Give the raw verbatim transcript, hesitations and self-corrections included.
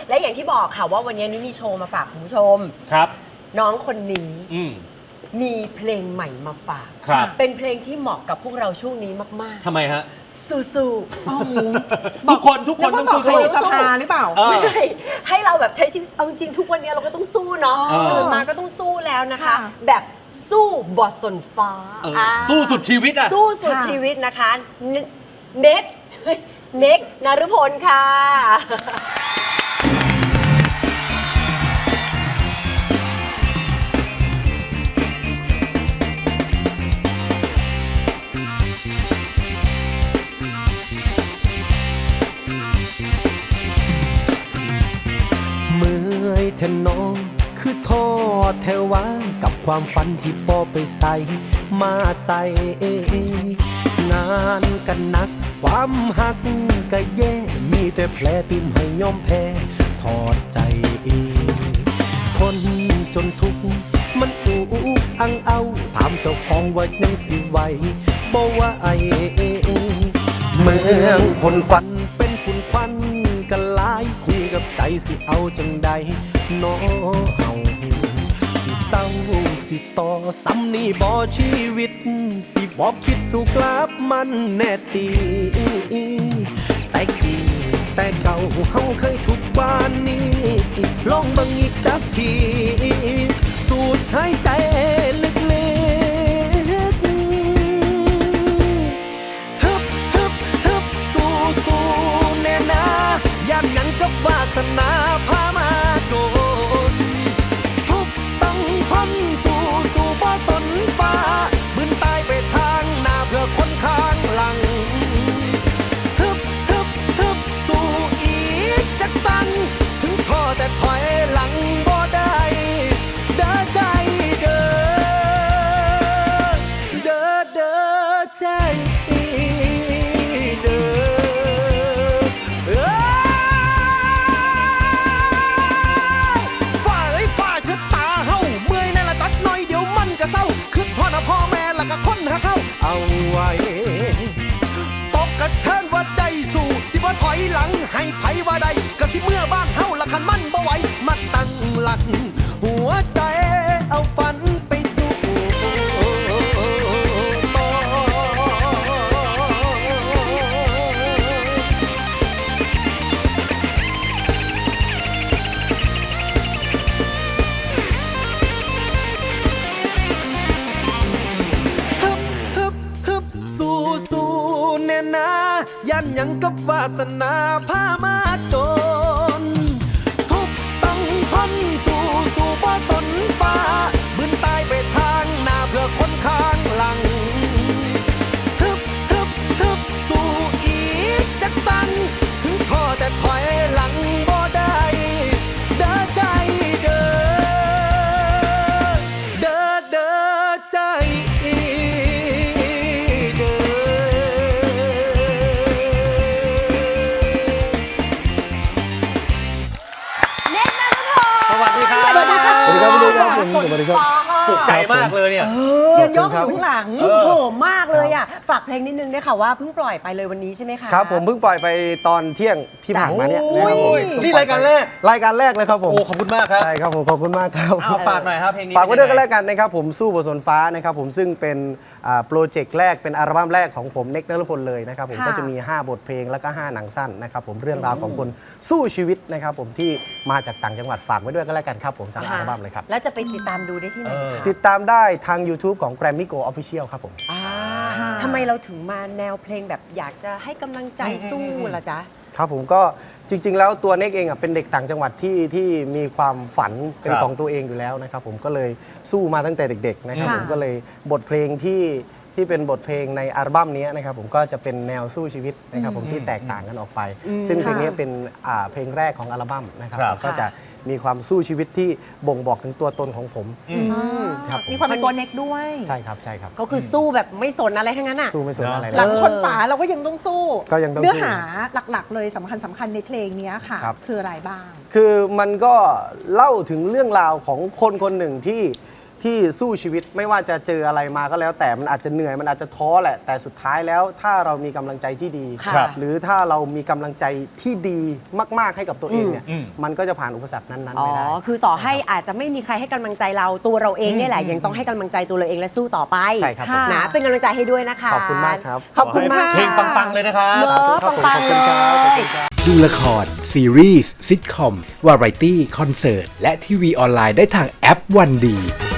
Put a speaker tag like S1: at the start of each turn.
S1: และอย่างที่บอกค่ะว่าวันนี้นุ้ยมีโชว์มาฝากคุณผู้ชม
S2: ครับ
S1: น้องคนนี้
S2: อื
S1: มีเพลงใหม่มาฝาก เป็นเพลงที่เหมาะกับพวกเราช่วงนี้มาก
S2: ๆทำไมฮะ
S1: สู้ๆ
S2: ทุกคนทุกคนต้องสู้
S3: ๆในสภาหรือเปล่า
S1: ไม่ให้เราแบบใช้ชีวิตเอาจริงทุกวันนี้เราก็ต้องสู้เนาะตื่นมาก็ต้องสู้แล้วนะคะแบบสู้บอสนฟ้า
S2: สู้สุดชีวิตอะ
S1: สู้สุดชีวิตนะคะเน็ตเน็กนฤพลค่ะ
S4: เมื่อยแทนน้องคือท้อแท้วางกับความฝันที่พอไปใส่มาใส่งานกันนักความหักก็แย่มีแต่แผลติ่มให้ยอมแพ้ถอดใจคนจนทุกข์มันอุกอังเอาถามเจ้าของว่ายังสิไหวบ่ว่าไอเมืองพนฝันเป็นฝุ่นควันกันหลายคุยกับใจสิเอาจังใดน้อเฮาสิเศร้าสิต่อซ้ำนี่บ่ชีวิตสิบ่คิดสู้กลับมันแน่ตีแต่กี้แต่เก่าเฮาเคยทุกบ้านนี้ลองบังอีกจักทีสูดหายใจลึกยันยังกับวาสนาพามาโดนทุกต้องพ้นสู่สู่บ่สนฟ้าบืนตายไปทางหน้าเพื่อคนข้างหลังฮึบฮึบฮึบสู่อีกจักตังถึงท้อแต่ถอยหลังบ่ได้เด้อใจเด้อเด้อเด้อใจเอาไว้ตกกระเทินว่าใจสู่สิบ่ถอยหลังให้ไผว่าใดก็สิเมื่อบ้านเฮาละคันมันบ่ไหวมาตั้งหลักหัวใจเอาฝันไปสู่ต่อยันยังกับวาสนาพามาจนทุกต้องทนสู่สู่บ่สนฟ้าบืนตายไปทางหน้าเพื่อคนข้างหลังฮึบฮึบฮึบสู่อีกจักตันถึงท้อแต่ถอยหลังบ่ได้เด้อใจเด้อเด้อเด้อใจ
S2: สวัสดีครับ
S3: สวัสดีครับสวัสดีครับสวัสดีครับ
S1: สวัสดีครับ
S2: ปลุกใจมากเลยเนี่ย
S3: ยืนย่องอยู่ข้างหลัง
S1: โหมากเลยอ่ะฝากเพลงนิดนึงได้ค่ะว่าเพิ่งปล่อยไปเลยวันนี้ใช่ไหมคะ
S5: ครับผมเพิ่งปล่อยไปตอนเที่ยงที่ผ่านมาเนี่ยนะครับผม
S2: นี่รายการแรก
S5: รายการแรกเลยครับผม
S2: โอ้ขอบคุณมากครับ
S5: ใช่ครับผมขอบคุณมากครับ
S2: เอาฝากหน่อยครับเพลงนี้
S5: ฝากไว้ด้วยกันแล้วกันนะครับผมสู้บนสนฟ้านะครับผมซึ่งเป็นโปรเจกต์แรกเป็นอัลบั้มแรกของผมเน็กนฤพลเลยนะครับผมก็จะมีห้าบทเพลงแล้วก็ห้าหนังสั้นนะครับผมเรื่องราวของคนสู้ชีวิตนะครับผมที่มาจากต่างจังหวัดฝากไว้ด้วยกันแล้วกันครับผมจากอัลบั้มเลยครับ
S1: แล้วจะไปติดตามดูได้ที่ไหนคะ
S5: ติดตามได้ทาง YouTube ของ Grammy Go Official ครับผม
S1: ทำไมเราถึงมาแนวเพลงแบบอยากจะให้กำลังใจสู้ล่ะจ๊ะ
S5: ครับผมก็จริงๆแล้วตัวเน็กเองอ่ะเป็นเด็กต่างจังหวัดที่ที่มีความฝันเป็นของตัวเองอยู่แล้วนะครับผมก็เลยสู้มาตั้งแต่เด็กๆนะครับผมก็เลยบทเพลงที่ที่เป็นบทเพลงในอัลบั้มนี้นะครับผมก็จะเป็นแนวสู้ชีวิตนะครับผมที่แตกต่างกันออกไปซึ่งเพลงนี้เป็นเพลงแรกของอัลบั้มนะครับก็จะมีความสู้ชีวิตที่บ่งบอกถึงตัวตนของผม
S3: มีความเป็นตัวเน็กด้วย
S5: ใช่ครับใช่ครับ
S1: ก็คือสู้แบบไม่สนอะไรทั้งนั้นอ่ะ
S5: สู้ไม่สนอะไร
S3: หลังชนฝาเราก็ยังต้องสู้
S5: ก็ยังต้อง
S3: เนื้อหาหลักๆเลยสำคัญสำคัญในเพลงนี้ค่ะคืออะไรบ้าง
S5: คือมันก็เล่าถึงเรื่องราวของคนคนหนึ่งที่ที่สู้ชีวิตไม่ว่าจะเจออะไรมาก็แล้ว แต่มันอาจจะเหนื่อยมันอาจจะท้อแหละแต่สุดท้ายแล้วถ้าเรามีกำลังใจที่ดี
S1: ค่ะ
S5: หรือถ้าเรามีกำลังใจที่ดีมากๆให้กับตัวเองเนี่ย
S2: อืม
S5: มันก็จะผ่านอุปสรรคนั้นๆ
S1: อ๋อ
S5: ไปได้
S1: คือต่อให้อาจจะไม่มีใครให้กำลังใจเราตัวเราเองเนี่ยแหละยังต้องให้กำลังใจตัวเราเองและสู้ต่อไป
S5: ใช่ครับ
S3: ค่ะ
S1: นะเป็นกำลังใจให้ด้วยนะคะ
S5: ขอบคุณมากครับ
S1: ขอบคุณมาก
S2: เพลงปังๆเลยนะครับ
S1: เนอะปังๆเลย
S4: ดูละคร ซีรีส์ซิทคอม วาไรตี้ คอนเสิร์ต และทีวีออนไลน์ได้ทางแอปวันดี